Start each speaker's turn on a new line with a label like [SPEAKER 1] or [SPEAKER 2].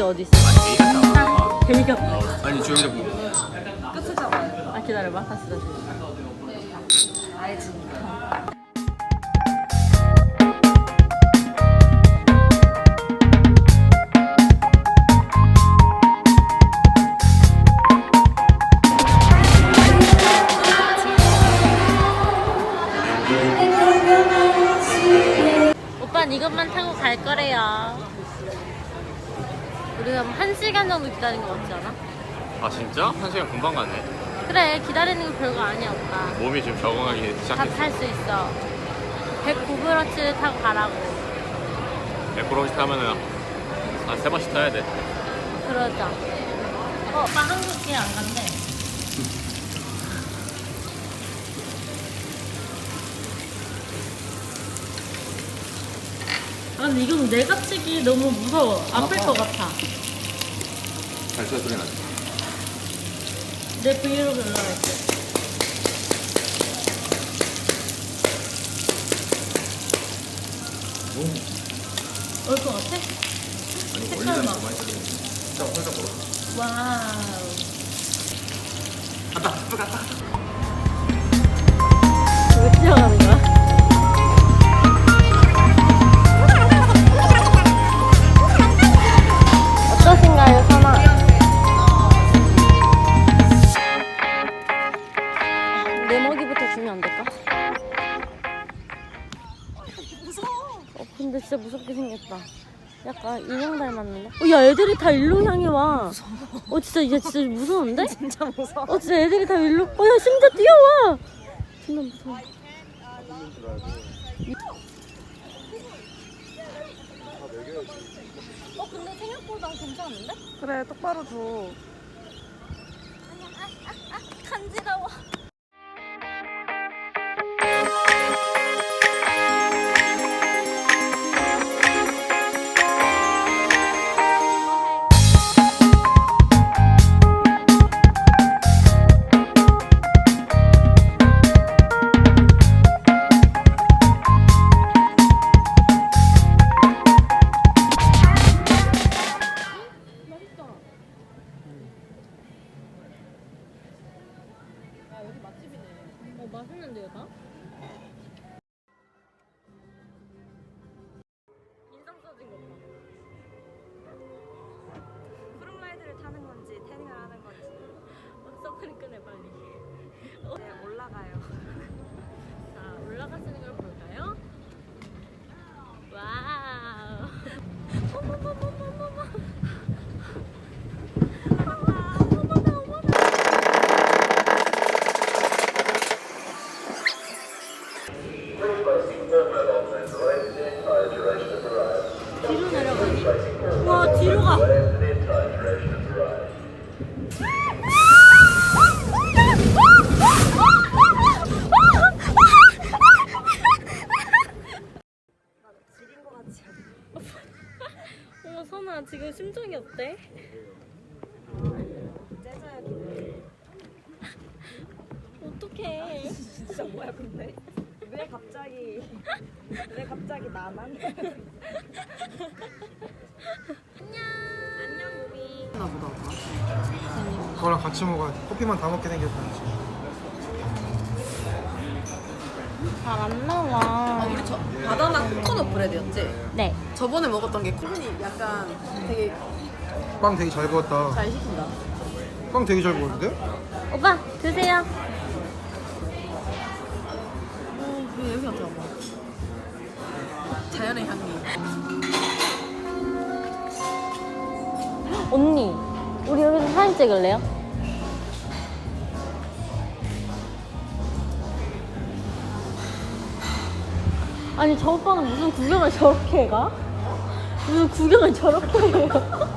[SPEAKER 1] 어디 있어? 아, 개미가.
[SPEAKER 2] 아니 조용히 보고.
[SPEAKER 3] 끝을 잡아요.
[SPEAKER 1] 아 기다려봐. 다시.
[SPEAKER 3] 알지.
[SPEAKER 1] 오빠는 이것만 타고 갈 거래요. 우리가 1시간 정도 기다린 거 같지 않아?
[SPEAKER 2] 아 진짜? 1시간 금방 가네.
[SPEAKER 1] 그래, 기다리는 거 별거 아니야 오빠.
[SPEAKER 2] 몸이 지금 적응하기
[SPEAKER 1] 다
[SPEAKER 2] 시작했어.
[SPEAKER 1] 탈 수 있어. 109브러치 타고 가라고.
[SPEAKER 2] 100km 타면은 한 3번씩 타야 돼.
[SPEAKER 1] 그러자. 오빠 한국에 안 간대. 아 근데 이건 내가 치기 너무 무서워. 아플 것 같아.
[SPEAKER 2] 발소리 소리 나지?
[SPEAKER 1] 내 브이로그 올라갈게. 올 것 같아? 색깔 봐.
[SPEAKER 2] 진짜 혼자 걸어.
[SPEAKER 1] 와우.
[SPEAKER 2] 갔다.
[SPEAKER 1] 왜 뛰어가는 거야? 어떠신가요, 선아? 내 먹이부터 주면 안 될까?
[SPEAKER 3] 무서워.
[SPEAKER 1] 근데 진짜 무섭게 생겼다. 약간 인형 닮았는데? 야, 애들이 다 일로 향해 와. 진짜 이제 진짜 무서운데?
[SPEAKER 3] 진짜 무서워.
[SPEAKER 1] 진짜 애들이 다 일로. 야, 심지어 뛰어와. 존나 무서워. 근데 생각보다 괜찮은데?
[SPEAKER 3] 그래 똑바로 줘.
[SPEAKER 1] 간지러워. 맛있는데요, 다? 인상 써진 거 봐.
[SPEAKER 3] 프로라이드를 타는 건지 태닝을 하는 건지.
[SPEAKER 1] 선크림 끄네, 빨리.
[SPEAKER 3] 네, 올라가요.
[SPEAKER 1] 자, 올라가시는 걸 볼까요? 와우. 어머머머머머머. 뒤로 내려가니? 와, 뒤로 가.
[SPEAKER 3] 지린 거 같지 않아?
[SPEAKER 1] 선아, 지금 심정이 어때?
[SPEAKER 3] 째져야겠네.
[SPEAKER 1] 어떡해.
[SPEAKER 3] 진짜 뭐야 근데? 왜 갑자기 나만? 안녕 무비. 나보다.
[SPEAKER 4] 그거랑 같이 먹어야 돼. 커피만 다 먹게 생겼다.
[SPEAKER 1] 잘 안 나와.
[SPEAKER 5] 우리 저 바나나 코코넛 브레드였지?
[SPEAKER 1] 네.
[SPEAKER 5] 저번에 먹었던 게 코코넛이 약간 되게
[SPEAKER 4] 빵 되게 잘 구웠다.
[SPEAKER 5] 잘 시킨다.
[SPEAKER 4] 빵 되게 잘 구웠는데?
[SPEAKER 1] 오빠, 드세요.
[SPEAKER 5] 그 냄새 맡아봐. 자연의 향기.
[SPEAKER 1] 언니, 우리 여기서 사진 찍을래요? 아니, 저 오빠는 무슨 구경을 저렇게 가? 무슨 구경을 저렇게 해요?